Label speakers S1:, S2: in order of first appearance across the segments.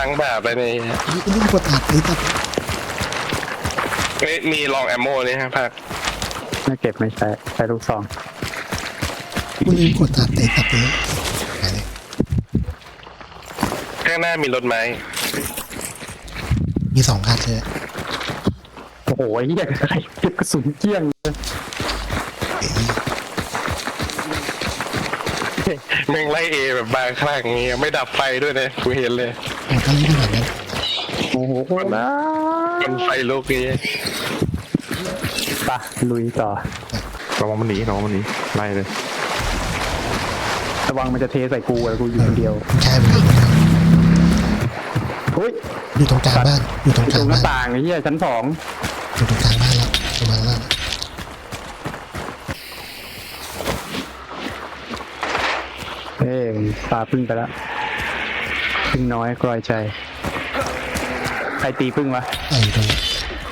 S1: งแบบไปนี่
S2: กูไม่กดอัดเลยตัด
S1: มีลองแอมโมนี่ฮะภาค
S3: ไม่เก็บไม่ใช้ลูกซอง
S2: กูลืมกดอัดเลยตัดเลยไปเลย
S1: ข้างหน้ามีรถไหม
S2: มี2 คันเลย
S3: โอ้โหเหี้ยอะไรเก็บกระสุนเกลี้ยงเลย
S1: แม่งไล่เอแบบบางครั้งเงี้ยไม่ดับไฟด้วยนะกูเห็นเลย
S2: มันก็เล่นแบบนั้น
S3: โอ้โหนะ
S1: มันไฟลุกเงี้ย
S3: ไปลุยต่อ
S4: ระวังมันหนีไล่เลย
S3: ระวังมันจะเทใส่กูแล้วกูอยู่คนเดียว
S2: มันใช่มัน
S3: เฮ้ย
S2: อยู่ตรงกลางบ้านอยู่ตรง
S3: อยู่
S2: ก
S3: ต
S2: ลา
S3: รง งหน้า
S2: บ้าน
S3: ต่างไอ้เหี้ยชั้น 2
S2: อยู่ตรงกลางบ้านแล้วประมาณนั้น
S3: เอ้ยปลาพึ่งไปแล้วพึ่งน้อยกลอยใจใครตีพึ่งวะ
S2: อยู่ตรงนี้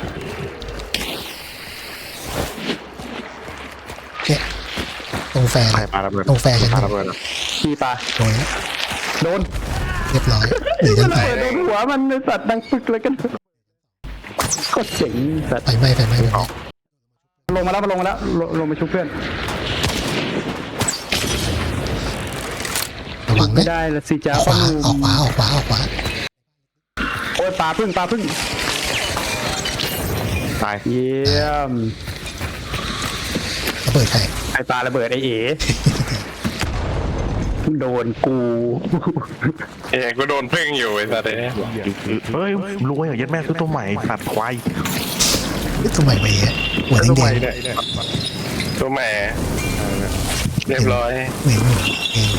S2: เนี่ยตรงแฟน
S4: ใครปาระเบิด
S2: ตรงแฟนฉัน
S4: ปาระเบิดอะ
S3: ขี้ปลา
S2: โดน
S3: โดน
S2: เรียบร้อยหนีกันไป
S3: โดนหัวมันในสัตว์ดังปึกเลยกันก็เจ๋งสัตว์
S2: ไฟไหม้ไฟไหม้ไฟไหม้
S3: ลงมาแล้วลงมาชุบเพื่อน
S2: ระวัง
S3: ไม่
S2: นะ
S3: ได้ละสิจ้า
S2: ขวาออกขวาออกขวาออกขวา
S3: โอ้ยปลาพึ่ง
S4: ตาย
S3: เยี่ยม
S2: ระเบิดใคร
S3: ไอปลาระเบิดไอเอ๋โดนกู
S1: เอ้กูโดนเพ่งอยู่ไอ้สัตว์เนี่ย
S4: เฮ้ยรวยอ่ะยัดแม่ซื้อตัวใหม่ตัดควาย
S2: นี่ตัวใหม่ไปอ่ะหัวแด
S1: ตัว
S2: ง
S1: ใหม่
S2: ๆ
S1: เนี่ยตัวใหม่เรียบร้อย
S2: เห็นหัวเอง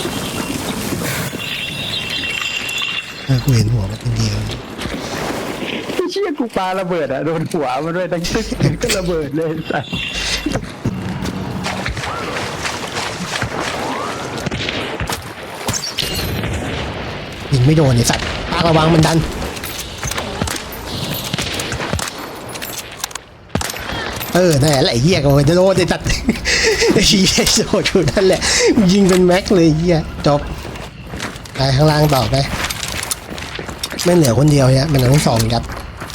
S2: กูเห็นหัวมันเป็นเดียว
S3: ไอ้เชี่ยกูปลาระเบิดอะโดนหัวมันด้วยตั้งตึ๊กก็ระเบิดเลยสัส
S2: ยิงไม่โดนไอ้สัตว์ปากระวังมันดันนั่นแหละไอ้เหี้ยก็จะโดนไอ้สัตว์ไอ้เหี้ยโดนอยู่นั่นแหละยิงเป็นแม็กเลยเหี้ยจบไปข้างล่างต่อไปไม่เหลือคนเดียวเนี่ยมันต้อง2 ยัด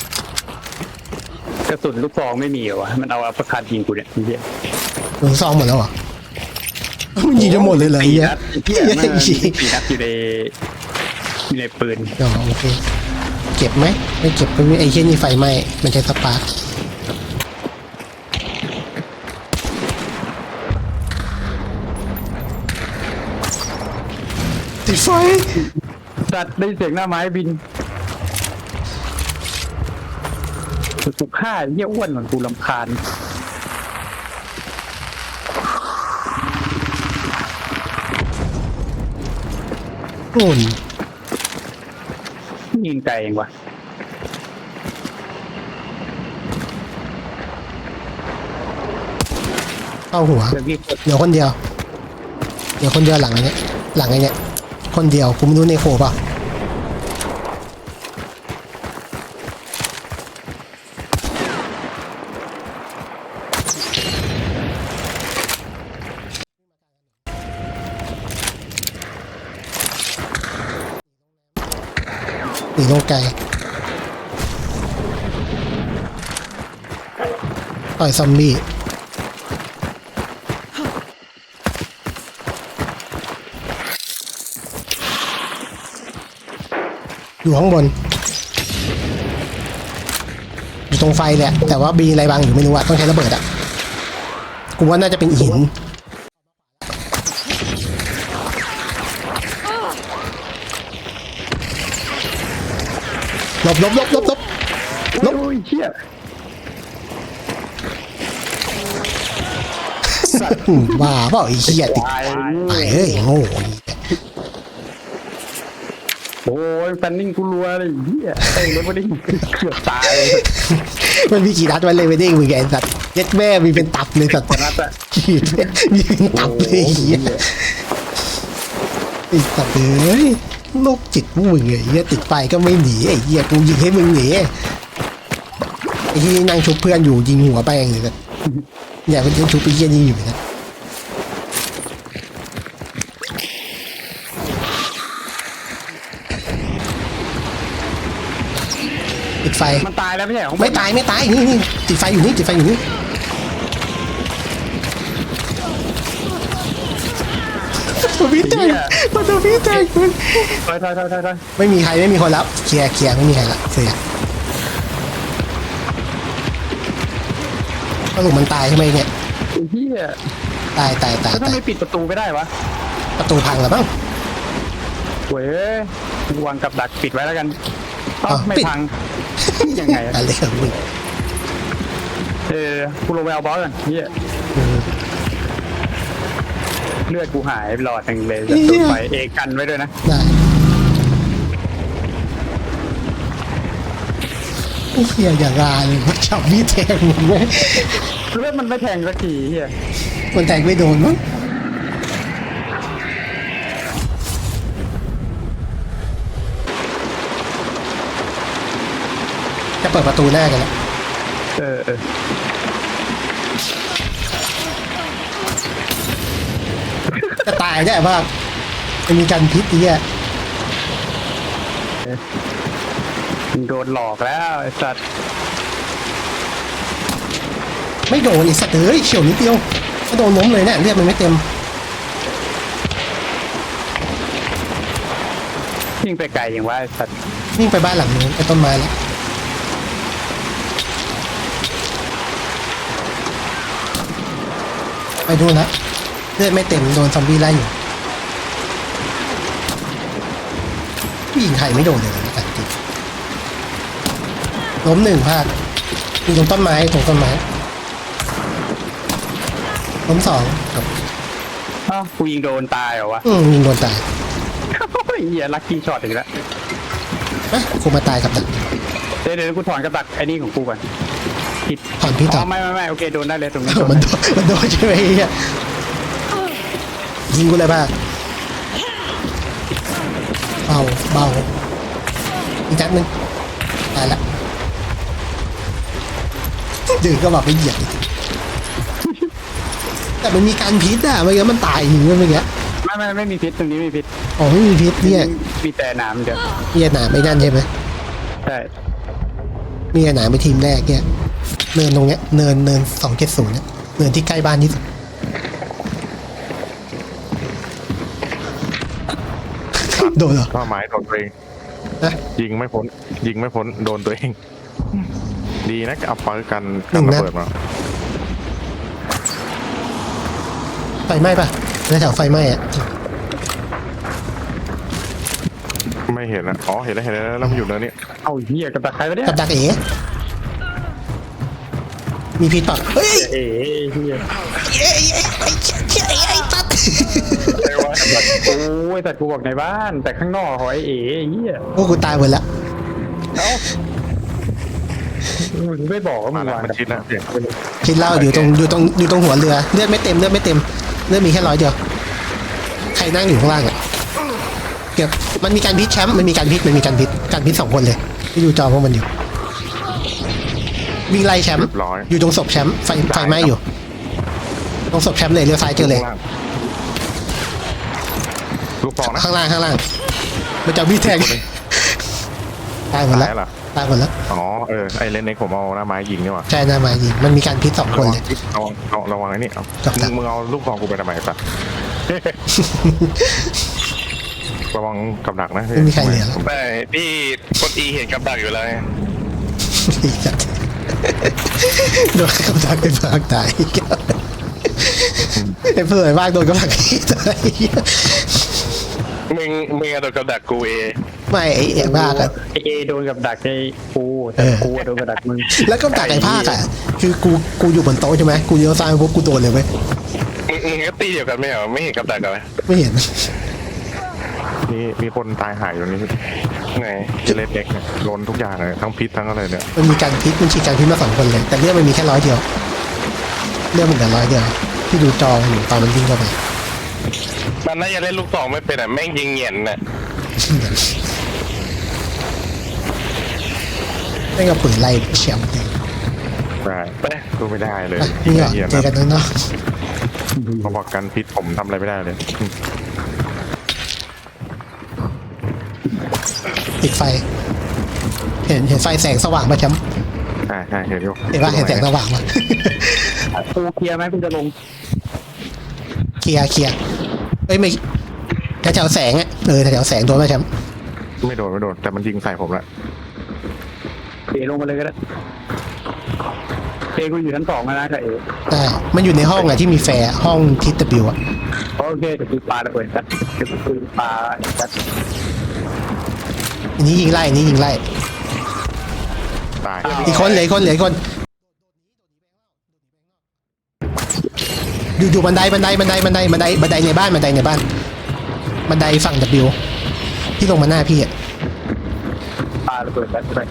S3: กระสุนลูกซองไม่มีเหรอวะมันเอาอัปเปอร์คัตยิงกูเนี่ยไอ้เหี้ย
S2: มึงซ่อมหมดแล้วเหรอมันยิงจะหมดเลยเหรอไอ้เหี้ย
S3: เหี้ยมันมี4 นัดอยู่ในปืน
S2: อ๋อโอเคเก็บไหมไม่เก็บก็ไอ้เหี้ยนี่ไฟไหม้มันใช้สปาร์คติดไฟ
S3: สัตว์ได้เสียงหน้าไม้บินถูกฆ่าเหี้ยอ้วนเหมือนกูรำคาญ
S2: โน่น
S3: ยิงไกลเองวะ
S2: เข้าหัว
S3: เดี๋ยวพี่
S2: เดี๋ยวคนเดียวหลังไอ้เนี้ยคนเดียวกูไม่รู้ในโคป่ะหนีลงไกลต่อยซอมบี้อยู่ข้างบนอยู่ตรงไฟแหละแต่ว่ามีอะไรบางอยู่ไม่รู้อะต้องใช้ระเบิดอะกูว่าน่าจะเป็นหินหลบ
S3: โอ้ยเชี่ย
S2: บ้าเปล่าไอ้เหี้ยติด
S3: ตาย
S2: ไปเฮ้ยโง่
S3: โอ้ยแฟนนิ่งกูรัวเลยเหี้ยไอ้เลยไม่ได้เกือบตาย
S2: มันมีกี่นัดมันเลยไม่ได้มึงไงสัตว์เย็ดแม่มีเป็นตับเลยสัตว์
S3: นัดอะ
S2: มีเป็นตับเลยไอ้เหี้ยไอ้สัตว์เอ้ยโรคจิตพวกมึงไอ้เหี้ยติดไฟก็ไม่หนีไอ้เหี้ยกูยิงให้มึงหนีไอ้ที่นั่งชุบเพื่อนอยู่ยิงหัวไปเองเลยสัตว์อย่าไปยิงชุบไอ้เหี้ยนี่อยู่นะติดไฟ
S3: มันตายแล้วไม่ใช่ของ
S2: ไม่ตายไม่ตายนี่ติดไฟอยู่นี่ติดไฟอยู่นี่ตัวพี่แตกตัวพี่แตก
S3: ถอย
S2: ไม่มีใครไม่มีคนรับเคลียร์ไม่มีใครละเสียสรุปมันตายใช่ไหมเนี่ย
S3: ไอ้เหี้ย
S2: ตาย
S3: แล้วทำไมปิดประตูไม่ได้วะ
S2: ประตูพังแล้วบ้าง
S3: เว้ยวางกับดักปิดไว้แล้วกันเอ้า
S2: อ้าว
S3: ไม่
S2: ปิด
S3: พังยังไงอะ
S2: อะไรของมึง
S3: กูลงไปเอาบอสก่อนเหี้ยเลือดกูหายหลอดหนึ่งเลยจะโดนไฟเอกันไว้ด้วยนะ
S2: ได้ไอ้เหี้ยอย่างราเลยว่าจับมีดแทงมึงไหม
S3: เลือดมันไม่แทงสักทีเหี้ย
S2: มันแทงไม่โดนมั้งจะเปิดประตูหน้ากันแล้ว
S3: เออ
S2: จะตายได้ป่ะมันมีการพิษอีกอ่ะ
S3: มึงโดนหลอกแล้วไอ้สัตว์
S2: ไม่โดนไอ้สัตว์เอ้ยเฉียวนิดเดียวก็โดนล้มเลยเนี่ยเลือดมันไม่เต็ม
S3: ยิ่งไปไกลอย่างว่าไอ้สัตว์
S2: วิ่งไปบ้านหลังนู้นไปต้นไม้แล้วไปดูนะเลือดไม่เต็มโดนซอมบี้ไล่อยู่ผู้หญิงไทยไม่โดนเลยนะจริงล้มหนึ่งพลาดอยู่ตรงต้นไม้ล้มสองครับ
S3: อ้าวกูยิงโดนตายเหรอวะ
S2: ยิงโดนตาย
S3: โอ้ยเหี้ยลัคกี้ช็อตอีกแล้ว
S2: นะคงมาตายกับดัก
S3: เดี๋ยวกูถอนกระดักไอ้นี่ของกูก่อนผิด
S2: ถอนพี่ต่อ
S3: ไม่โอเคโดนได้เลยตรงนี้
S2: มันโดนใช่ไหมเฮียยิงกูเลยบ้าเบาอีกนัดนึงตายละดื้อก็บอกไปเหยียบอีกแต่มันมีการพิษอ่ะเมื่อกี้มันตายอยู่เมื่อกี้
S3: ไม่มีพิษตรงนี้ไม่มีพิษ
S2: อ๋อไม่มีพิษเนี่ย
S3: มีแต่หนามเดียว
S2: มีหนาไม่นั่นใช่ไหม
S3: ใช่
S2: มีหนาไปทีมแรกเนี่ยเนินตรงเนี้ยเนิน270เนี่ยเนินที่ใกล้บ้านที่สุดโดนเหรอ
S4: ก็หมายโดนตัวเอง
S2: นะ
S4: ยิงไม่พ้นโดนตัวเอง ดีนะเอาปืนกัน
S2: หนึ่ง
S4: ระ
S2: นัด
S4: เบิดมา
S2: ไฟไหม้ปะแถวไฟไหม้อะ
S4: ไม่เห็นนะอ๋อเห็นแล้วแล้วมันอยู่เนินนี่
S3: เอาเหี้ยกระดักใครวะเนี่ย
S2: กับดักเอ๋มีพิษปะเฮ้ย
S3: เอ๋เหี้ย
S2: ไอ้ตัด
S1: ไม่ว่าแบบ
S3: โอ้ยแต่กูบอกในบ้านแต่ข้างนอกหอยเอ๋เหี้ย
S2: โอ้กูตายหมดละ
S3: มึงไม่บอกว่ามึ
S4: มางแล้ว
S3: วาง
S4: มันชิดแล้วเสียง
S2: คิดเล่าอยู่ตรงหัวเรือเลือดไม่เต็มเลือดมีแค่100เดียวใครนั่งอยู่ข้างล่างอ่ะเก็บมันมีการพิษแชมป์มันมีการพิษ2คนเลยที่ดูจอพวกมันอยู่วิ่งไล่แชมป์
S4: เรียบร้อย
S2: อยู่ตรงศพแชมป์ไฟไหม้อยู่ตรงศพแชมป์เลยเลี้ยวซ้ายเจอเลย
S4: ลูกฟองนะ
S2: ข้างล่างมันจะมีแทงตายหมดแล้ว
S4: ตายเหรอ
S2: ตายหมดแล้ว
S4: อ๋อไอเลนเน็กผมเอาหน้าไม้ยิงนี่หว่า
S2: ใช่หน้ามายิงมันมีการพิษ2คนเลย
S4: ระวังไอ้นี่เอา
S2: จับจับ
S4: มึงเอาลูกฟองกูไปทำไมสัตว์ ระวังกับดักนะ
S2: ไม่มีใครเหลือแล้ว
S1: ไม่พี่กดอีเห็นกับดักอยู่แล้วไง
S2: อีสัตว์โดนกำลังไปพากตายไอ้เพื่อนบ้างโดนกำลังตาย
S1: มึงเอาตัวกับดักกูเอ
S2: ไม่ไอ้ภาคอะ
S3: ไอเอโดนกับดักไอกูแต่กูโดนกับดักมึง
S2: แล้วก็ดักไอ้ภาคอะคือกูอยู่บนโต๊ะใช่ไหมกูเลี้ยวซ้ายปุ๊บกูโดนเลยเว้ย
S1: มึงก็ตีเดียวกันไม่เหรอไม่เห็นกับดักกันเลย
S2: ไม่เห็น
S4: นี่มีคนตายหายอยู่นี่
S1: ไหน
S4: เลนเน็กเนี่ยโดนทุกอย่างเลยทั้งพิษทั้งอะไรเนี่ย
S2: มันมีการพิษมันฉีดการพิษมา2คนเลย แต่เรื่องมันมีแค่100เดียวเรื่องมันเหลือ100เดียวที่ดูจออยู่ตอนมันวิ่งเข้าไป
S1: มันน่าจะเล่นลูกสองไม่เป็นอ่ะแม่งยิงเหยียนน่ะ
S2: ไม่กับปืนไล่แชมป์เลย
S4: ได้ดูไม่ได้เลย
S2: นี่เหรอ
S4: เหี้ย
S2: เจอกันข้างนอก
S4: เขาบอกกันพิษผมทำอะไรไม่ได้เลย
S2: ปิดไฟเพเห็นไฟแสงสว่างป่ะแชมป์
S4: ใช่เห็นอยู่
S2: เห็นป่ะเห็นแสงสว่างป่ะ
S3: กูเคลียร์ไหมกูจะลง
S2: เคลียร์เอ้ยไม่แถวๆแสงอ่ะแถวๆแสงโดนป่ะแชมป์
S4: ไม่โดนแต่มันยิงใส่ผมละ
S3: เอลงมาเลยก็ได้เอกูอยู่ชั้น 2นะกับเอ
S2: ได้มันอยู่ในห้องอะที่มีแฟร์ห้องทิศตะบิวอะ
S3: โอเคเดี๋ยวกูปาระเบิดกันเดี๋ยวกูปาจัด
S2: อันนี้ยิงไล่อันนี้ยิงไล่
S4: ตาย
S2: อีกคนเหลืออีกคนอยู่บันไดในบ้านบันไดฝั่ง W ที่ลงมาหน้าพี่อะ
S3: ปาระเบิดกันไป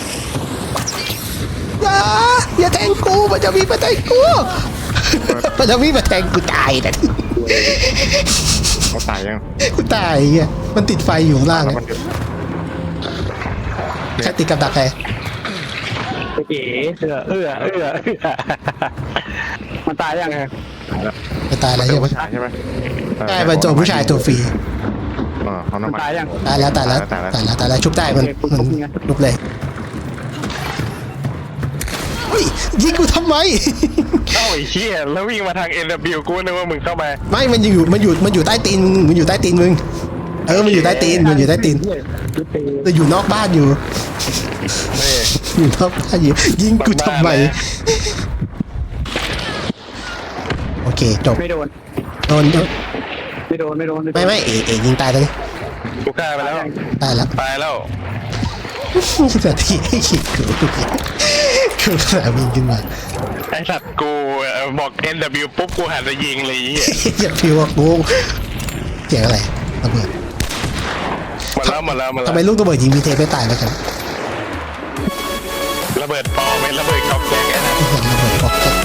S2: อย่าแทงกูมันจะมีมาแทงกูมันจะมีมาแทงกูตายนะ
S4: เขาตายยัง
S2: กูตายเงี้ยมันติดไฟอยู่ข้างล่าง
S4: แล้ว
S2: อะ
S4: มัน
S2: ใครติดกับดักใคร
S3: เอ๋มันตายยังไง
S2: จะตายแล้วใช่ไหม
S4: ผู้ชายใช่ไหม
S2: ใช่เป็นตัวผู้ชายตัวฟรี
S4: เขา
S3: มัน
S4: น้ำมัน
S3: ตายยัง
S2: ตายแล้วชุบได้มันลุกเลยเฮ้ยยิงกูทำไม
S1: เอ้าไอ้เหี้ยแล้ววิ่งมาทาง NW กูนึกว่ามึงเข้ามา
S2: ไม่มันอยู่ใต้ตีนมึงมันอยู่ใต้ตีนมึงมันอยู่ใต้ตีนแต่อยู่นอกบ้านอยู่
S1: นี่
S2: อยู่นอกบ้านอยู่ยิงกูทำไมโอเคจบ
S3: ไม่โดน
S2: โดน
S3: ไม่
S2: เอยิงตายแล้วนี่
S1: กูฆ่าไปแล้ว
S2: ตายแล้ว
S1: ตายแล้ว
S2: นาทีให้ขีดกูสนามบินขึ้นมา
S1: ไอ้สัตว์กูบอก NW ปุ๊บกูหันไปยิงเลยไอ้เหี้ย
S2: อย่าพิวกูเสียงอะไรระเบิด
S1: หมดแล้ว
S2: ทำไมลูกระเบิดยิงมีเทปไม่ตายแล้วครับ
S1: ระเบิดปอเป็นระเบิดกอกแก๊กไอ้นั่น
S2: ระเบิดก๊อกแก๊ก